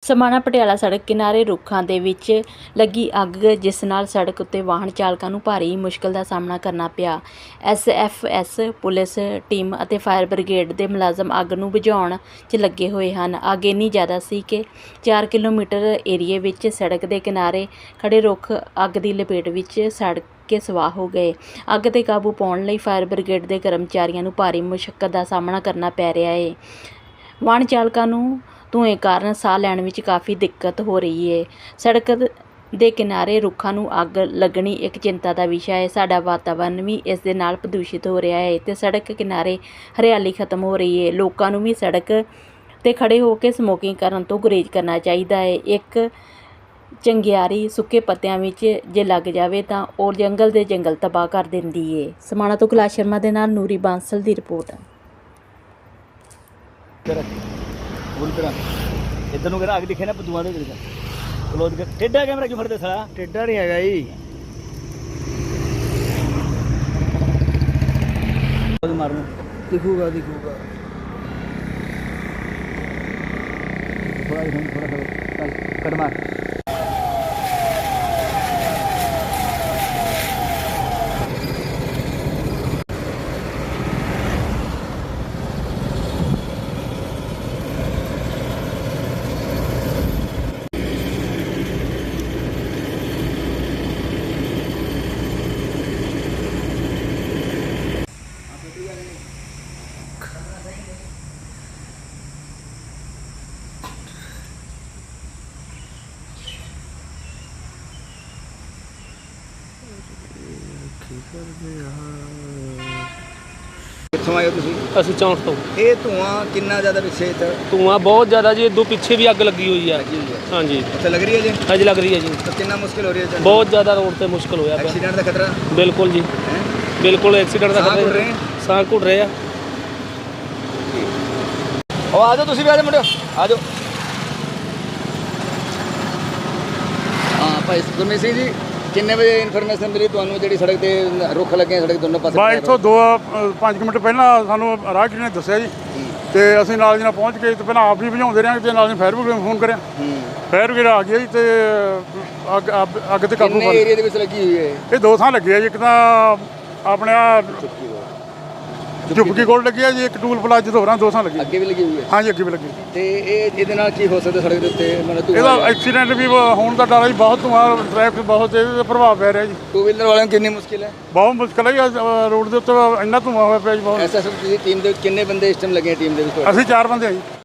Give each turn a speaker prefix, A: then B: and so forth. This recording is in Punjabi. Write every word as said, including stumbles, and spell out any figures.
A: ਸਮਾਣਾ ਪਟਿਆਲਾ ਸੜਕ ਕਿਨਾਰੇ ਰੁੱਖਾਂ ਦੇ ਵਿੱਚ ਲੱਗੀ ਅੱਗ ਜਿਸ ਨਾਲ ਸੜਕ ਉੱਤੇ ਵਾਹਨ ਚਾਲਕਾਂ ਨੂੰ ਭਾਰੀ ਮੁਸ਼ਕਲ ਦਾ ਸਾਹਮਣਾ ਕਰਨਾ ਪਿਆ। S F S police team ਅਤੇ ਫਾਇਰ ਬ੍ਰਿਗੇਡ ਦੇ ਮੁਲਾਜ਼ਮ ਅੱਗ ਨੂੰ ਬੁਝਾਉਣ 'ਚ ਲੱਗੇ ਹੋਏ ਹਨ। ਅੱਗ ਇੰਨੀ ਜ਼ਿਆਦਾ ਸੀ ਕਿ ਚਾਰ ਕਿਲੋਮੀਟਰ ਏਰੀਏ ਵਿੱਚ ਸੜਕ ਦੇ ਕਿਨਾਰੇ ਖੜੇ ਰੁੱਖ ਅੱਗ ਦੀ ਲਪੇਟ ਵਿੱਚ ਸੜ ਕੇ ਸਵਾਹ ਹੋ ਗਏ। ਅੱਗ 'ਤੇ ਕਾਬੂ ਪਾਉਣ ਲਈ ਫਾਇਰ ਬ੍ਰਿਗੇਡ ਦੇ ਕਰਮਚਾਰੀਆਂ ਨੂੰ ਭਾਰੀ ਮੁਸ਼ੱਕਤ ਦਾ ਸਾਹਮਣਾ ਕਰਨਾ ਪੈ ਰਿਹਾ ਹੈ। ਵਾਹਨ ਚਾਲਕਾਂ ਨੂੰ ਧੂੰਏਂ ਕਾਰਨ ਸਾਹ ਲੈਣ ਵਿੱਚ ਕਾਫੀ ਦਿੱਕਤ ਹੋ ਰਹੀ ਹੈ। ਸੜਕ ਦੇ ਕਿਨਾਰੇ ਰੁੱਖਾਂ ਨੂੰ ਅੱਗ ਲੱਗਣੀ ਇੱਕ ਚਿੰਤਾ ਦਾ ਵਿਸ਼ਾ ਹੈ। ਸਾਡਾ ਵਾਤਾਵਰਨ ਵੀ ਇਸ ਦੇ ਨਾਲ ਪ੍ਰਦੂਸ਼ਿਤ ਹੋ ਰਿਹਾ ਹੈ ਅਤੇ ਸੜਕ ਕਿਨਾਰੇ ਹਰਿਆਲੀ ਖਤਮ ਹੋ ਰਹੀ ਹੈ। ਲੋਕਾਂ ਨੂੰ ਵੀ ਸੜਕ 'ਤੇ ਖੜੇ ਹੋ ਕੇ ਸਮੋਕਿੰਗ ਕਰਨ ਤੋਂ ਗੁਰੇਜ਼ ਕਰਨਾ ਚਾਹੀਦਾ ਹੈ। ਇੱਕ ਚੰਗਿਆੜੀ ਸੁੱਕੇ ਪੱਤਿਆਂ ਵਿੱਚ ਜੇ ਲੱਗ ਜਾਵੇ ਤਾਂ ਉਹ ਜੰਗਲ ਦੇ ਜੰਗਲ ਤਬਾਹ ਕਰ ਦਿੰਦੀ ਹੈ। ਸਮਾਣਾ ਤੋਂ ਕੈਲਾਸ਼ ਸ਼ਰਮਾ ਦੇ ਨਾਲ ਨੂਰੀ ਬਾਂਸਲ ਦੀ ਰਿਪੋਰਟ।
B: पूरी तरह इधर ਨੂੰ ਅੱਗ ਦਿਖੇ ਨਾ ਪਦੂਆਂ ਦੇ ਵਿੱਚ ਕਲੋਜ਼ ਕਰ ਟੇਡਾ ਕੈਮਰਾ ਕਿਉਂ ਫੜਦੇ ਸਾਲਾ ਟੇਡਾ ਨਹੀਂ ਹੈਗਾ ਜੀ ਮਾਰਨ ਦਿਖੂਗਾ ਦਿਖੂਗਾ ਥੋੜਾ ਜਿਹਾ ਥੋੜਾ ਥੋੜਾ ਕੱਢ ਮਾਰ ਕਿੱਥੋਂ ਆਏ ਹੋ ਤੁਸੀਂ?
C: ਅਸੀਂ ਚੌਂਕ ਤੋਂ।
B: ਇਹ ਧੂਆਂ ਕਿੰਨਾ ਜ਼ਿਆਦਾ ਪਿੱਛੇ ਇੱਥੇ?
C: ਧੂਆਂ ਬਹੁਤ ਜ਼ਿਆਦਾ ਜੀ, ਇਦੋਂ ਪਿੱਛੇ ਵੀ ਅੱਗ ਲੱਗੀ ਹੋਈ ਹੈ। ਹਾਂਜੀ
B: ਉੱਥੇ ਲੱਗ ਰਹੀ ਹੈ ਜੀ?
C: ਹਾਂਜੀ ਲੱਗ ਰਹੀ ਹੈ ਜੀ।
B: ਤਾਂ ਕਿੰਨਾ ਮੁਸ਼ਕਿਲ ਹੋ ਰਹੀ ਹੈ?
C: ਬਹੁਤ ਜ਼ਿਆਦਾ ਰੋਡ ਤੇ ਮੁਸ਼ਕਿਲ ਹੋਇਆ ਪਿਆ।
B: ਐਕਸੀਡੈਂਟ ਦਾ ਖਤਰਾ?
C: ਬਿਲਕੁਲ ਜੀ, ਬਿਲਕੁਲ ਐਕਸੀਡੈਂਟ ਦਾ ਖਤਰਾ। ਸਾਹ ਘੁੱਟ ਰਹੇ ਆ।
B: ਉਹ ਆ ਜਾਓ ਤੁਸੀਂ ਵੀ ਆ ਜਾਓ ਮੁੰਡਿਓ ਆ ਜਾਓ। ਹਾਂ ਭਾਈ ਗੁਰਮੀਤ ਸਿੰਘ ਜੀ, ਕਿੰਨੇ ਵਜੇ ਇਨਫੋਰਮੇਸ਼ਨ ਮਿਲੀ ਤੁਹਾਨੂੰ ਜਿਹੜੀ ਸੜਕ ਤੇ ਰੁੱਖ ਲੱਗੇ ਸੜਕ ਦੋਨੋਂ ਪਾਸੇ?
D: ਬਾ ਇੱਥੋਂ ਦੋ ਪੰਜ ਮਿੰਟ ਪਹਿਲਾਂ ਸਾਨੂੰ ਰਾਹਗੀਰ ਨੇ ਦੱਸਿਆ ਜੀ ਤੇ ਅਸੀਂ ਨਾਲ ਦੀ ਨਾਲ ਪਹੁੰਚ ਕੇ ਤੇ ਪਹਿਲਾਂ ਆਪ ਵੀ ਬੁਝਾਉਂਦੇ ਰਹੇ ਤੇ ਨਾਲ ਦੀ ਫਾਇਰ ਬ੍ਰਿਗੇਡ ਨੂੰ ਫੋਨ ਕਰਿਆ। ਫਾਇਰ ਬ੍ਰਿਗੇਡ ਆ ਗਈ ਜੀ ਤੇ ਅੱਗ ਅੱਗ ਤੇ ਕਾਬੂ
B: ਕਿੰਨੇ ਏਰੀਆ ਦੇ ਵਿੱਚ ਲੱਗੀ ਹੋਈ ਹੈ? ਇਹ
D: ਦੋ ਥਾਂ ਲੱਗੇ ਆ ਜੀ। ਇੱਕ ਤਾਂ ਆਪਣੇ ਆ ਝੁੱਪਕੀ ਕੋਲ ਲੱਗੀ ਆ ਜੀ, ਇੱਕ ਟੂਲ ਪਲਾਜ਼ਾ ਤੋਂ ਹੋਰਾਂ ਦੋ ਥਾਂ ਲੱਗੀ।
B: ਅੱਗੇ ਵੀ ਲੱਗੀ ਹੋਈ ਹੈ?
D: ਹਾਂਜੀ ਅੱਗੇ ਵੀ ਲੱਗੀ।
B: ਤੇ ਇਹ ਇਹਦੇ ਨਾਲ ਕੀ ਹੋ ਸਕਦਾ ਸੜਕ ਦੇ ਉੱਤੇ? ਮਤਲਬ
D: ਇਹਦਾ ਐਕਸੀਡੈਂਟ ਵੀ ਹੋਣ ਦਾ ਡਰ ਹੈ ਜੀ। ਬਹੁਤ ਧੂਆਂ, ਟ੍ਰੈਫਿਕ ਬਹੁਤ ਇਹਦੇ ਪ੍ਰਭਾਵ ਪੈ ਰਿਹਾ ਜੀ।
B: ਟੂ ਵੀਲਰ ਵਾਲਿਆਂ ਨੂੰ ਕਿੰਨੀ ਮੁਸ਼ਕਿਲ ਹੈ?
D: ਬਹੁਤ ਮੁਸ਼ਕਿਲ ਹੈ ਜੀ। ਰੋਡ ਦੇ ਉੱਤੇ ਇੰਨਾ ਧੂਆਂ ਹੋਇਆ ਪਿਆ ਜੀ ਬਹੁਤ।
B: ਐਸ ਐਸ ਐਫ ਦੀ ਟੀਮ ਦੇ ਕਿੰਨੇ ਬੰਦੇ ਇਸ ਟਾਈਮ ਲੱਗੇ ਟੀਮ ਦੇ ਵਿੱਚ?
D: ਅਸੀਂ ਚਾਰ ਬੰਦੇ ਆ ਜੀ।